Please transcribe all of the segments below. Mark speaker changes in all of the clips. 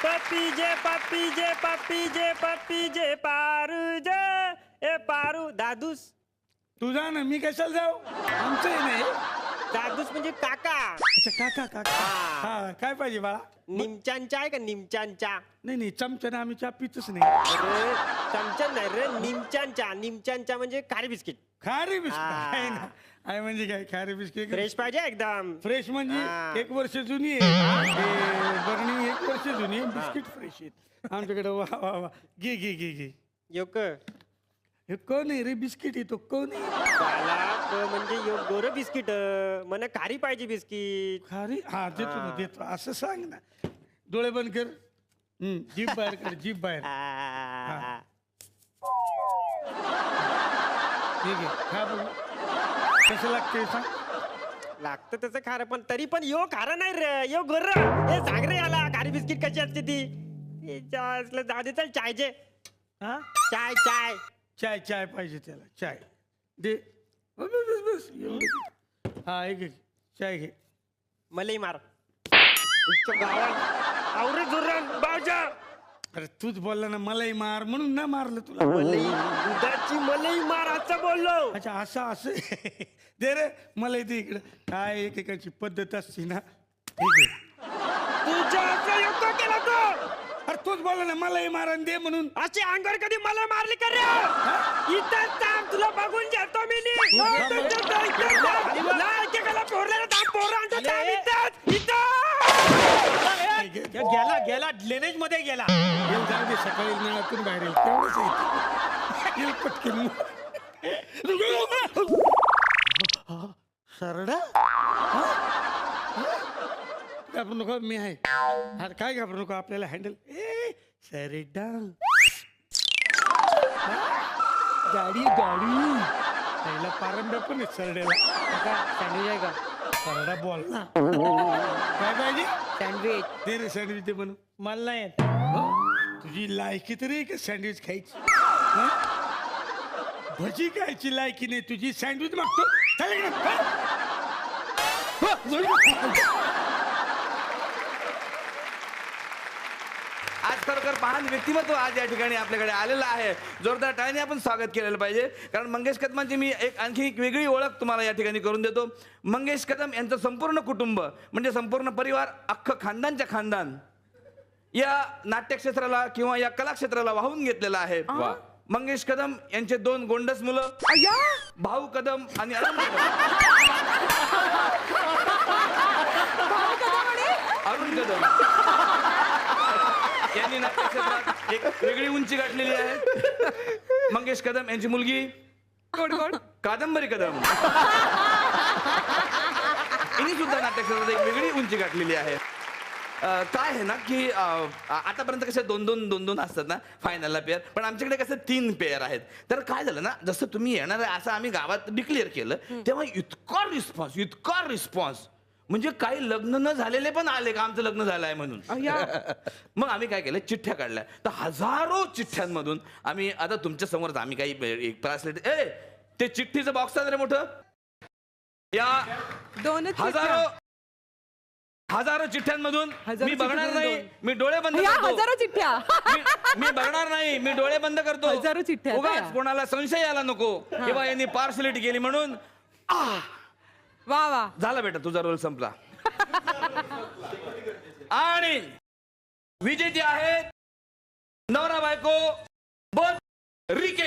Speaker 1: पप्पी जे पारू जे ए पारू दादूस.
Speaker 2: तू जा ना, मी कशाला जाऊ? आमचंही नाही.
Speaker 1: दादूस म्हणजे काका.
Speaker 2: अच्छा काका काका. हा काय पाहिजे बाळा?
Speaker 1: निमच्यांचा आहे का निमच्यांचा?
Speaker 2: नाही चमच्याने आम्ही चहा पितच नाही.
Speaker 1: अरे चमचा नाही रे, निमच्यांचा म्हणजे खारी बिस्किट.
Speaker 2: खारी बिस्किट आहे ना? आहे म्हणजे काय खारी बिस्किट?
Speaker 1: फ्रेश पाहिजे एकदम.
Speaker 2: फ्रेश म्हणजे 1 वर्ष जुनी आहे. बरणी 1 वर्ष जुनी आहे, बिस्किट फ्रेश आहेत आमच्याकडे. वा वा वा. घे.
Speaker 1: योक
Speaker 2: हे कोण आहे रे? बिस्किट येतो कोण आहे?
Speaker 1: म्हणजे गोर बिस्किट मला खारी पाहिजे बिस्किट.
Speaker 2: खारी? हा देतो ना देतो. असं सांग ना. डोळे बंद कर. जीभ बाहेर कर, जीभ बाहेर. ठीक आहे खा बघू कसं लागते सांग.
Speaker 1: लागतं त्याचं खारं, पण तरी पण यो खारं नाही रे, यो गोर. हे सांग रे याला खारी बिस्किट कशी असते ती. जाऊ दे चल चायचे.
Speaker 2: हा
Speaker 1: चाय चाय
Speaker 2: चाय चाय पाहिजे त्याला. चाय दे. बस एवढं. हा एक चाय घे.
Speaker 1: मलई मार. आवरे जोरान बावजा.
Speaker 2: अरे तूच बोलला ना मलाही मार म्हणून ना मारलं तुला.
Speaker 1: मलई दुधाची मलई मार असं बोललो.
Speaker 2: अच्छा असं दे रे मला इथे इकडं. काय एकेकाची पद्धत असते ना. ठीक आहे.
Speaker 1: तुझ्या असं योग्य केला तो.
Speaker 2: अरे तूच बोलला ना मलाही मारण दे म्हणून.
Speaker 1: अशी अंगावर कधी मला मारली कर रे. इथं थांब तुला बघून घेतो मी. गेला लेनेज मध्ये गेला.
Speaker 2: जाऊ दे सकाळी नळातून बाहेर येईल तेवढंच येईल पटकन. सरडा घाबरू नको मी आहे. अरे काय घाबरू नको आपल्याला हँडल. सरडा गाडी पहिला पारंब्या पण आहे सरड्याला.
Speaker 1: सँडविच आहे का?
Speaker 2: सरडा बोल ना. काय पाहिजे?
Speaker 1: सँडविच
Speaker 2: दे रे सँडविच दे म्हणून.
Speaker 1: मला नाही.
Speaker 2: तुझी लायकी तरी आहे का सँडविच खायची? भजी खायची लायकी नाही तुझी. सँडविच मागतो.
Speaker 3: आज खरोखर महान व्यक्तिमत्व आज या ठिकाणी आपल्याकडे आलेलं आहे. जोरदार टाळ्याने आपण स्वागत केलेलं पाहिजे. कारण मंगेश कदमांची मी आणखी एक वेगळी ओळख तुम्हाला या ठिकाणी करून देतो. मंगेश कदम यांचं संपूर्ण कुटुंब म्हणजे संपूर्ण परिवार, अख्खं खानदानच्या खानदान या नाट्यक्षेत्राला किंवा या कलाक्षेत्राला वाहून घेतलेलं आहे. मंगेश कदम यांचे 2 गोंडस मुलं, भाऊ कदम आणि अरुण कदम यांनी नाट्यक्षेत्रात एक वेगळी उंची गाठलेली आहे. मंगेश कदम यांची मुलगी कादंबरी कदम यांनी सुद्धा नाट्यक्षेत्रात एक वेगळी उंची गाठलेली आहे. काय आहे ना की आतापर्यंत कसे 2-2 असतात ना फायनलला पेअर, पण आमच्याकडे कसं 3 पेअर आहेत. तर काय झालं ना, जसं तुम्ही येणार आहे असं आम्ही गावात डिक्लेअर केलं तेव्हा इतका रिस्पॉन्स म्हणजे काही लग्न न झालेले पण आले का आमचं लग्न झालं आहे म्हणून. मग आम्ही काय केलं, चिठ्ठ्या काढल्या. तर हजारो चिठ्ठ्यांमधून आम्ही आता तुमच्या समोर आम्ही काही एक ते चिठ्ठीचं बॉक्स आहे रे मोठं. या हजारो चिठ्ठ्यांमधून मी बघणार नाही, मी डोळे बंद करतो.
Speaker 4: हजारो चिठ्ठ्या
Speaker 3: मी बघणार नाही, मी डोळे बंद करतो.
Speaker 4: हजारो चिठ्ठ्या
Speaker 3: उगाच कोणाला संशय आला नको किंवा यांनी पार्सलिटी केली म्हणून.
Speaker 4: वा
Speaker 3: झाला बेटा, तुझा रोल संपला. आणि विजेते आहेत नवरा बायको बोथ रिके.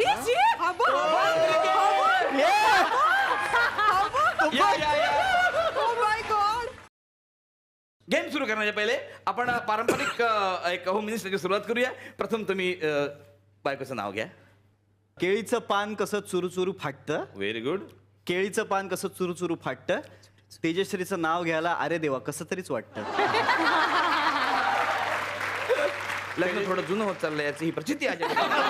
Speaker 3: गेम सुरू करण्याच्या पहिले आपण पारंपरिक एक होम मिनिस्टरची सुरुवात करूया. प्रथम तुम्ही बायकोचं नाव घ्या.
Speaker 5: केळीचं पान कसं चुरू फाटतं.
Speaker 3: Very good.
Speaker 5: केळीचं पान कसं चुरू फाटतं. तेजश्रीचं नाव घ्यायला अरे देवा कसं तरीच वाटतं.
Speaker 3: लग्न थोडं जुनं होत चाललंय याची ही प्रचिती आहे.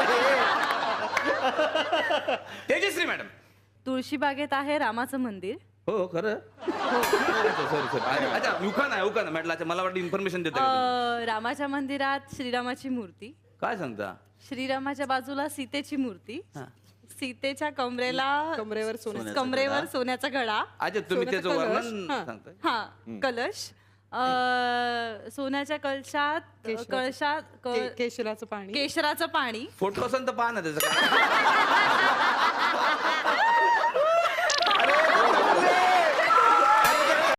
Speaker 3: तेजश्री मॅडम.
Speaker 4: तुळशीबागेत आहे रामाचं मंदिर.
Speaker 3: हो खरं. सॉरी अच्छा युका नाही म्हटलं. मला वाटतं इन्फॉर्मेशन देता.
Speaker 4: रामाच्या मंदिरात श्रीरामाची मूर्ती.
Speaker 3: काय सांगता.
Speaker 4: श्रीरामाच्या बाजूला सीतेची मूर्ती. सीतेच्या कमरेवर सोन्याचा घडा.
Speaker 3: अच्छा तुम्ही त्याचं वर्णन सांगताय.
Speaker 4: कलश सोन्याच्या कळशात
Speaker 6: केशराचं पाणी
Speaker 4: केशराचं पाणी
Speaker 3: फोटो असेल तर पहा ना त्याचं काय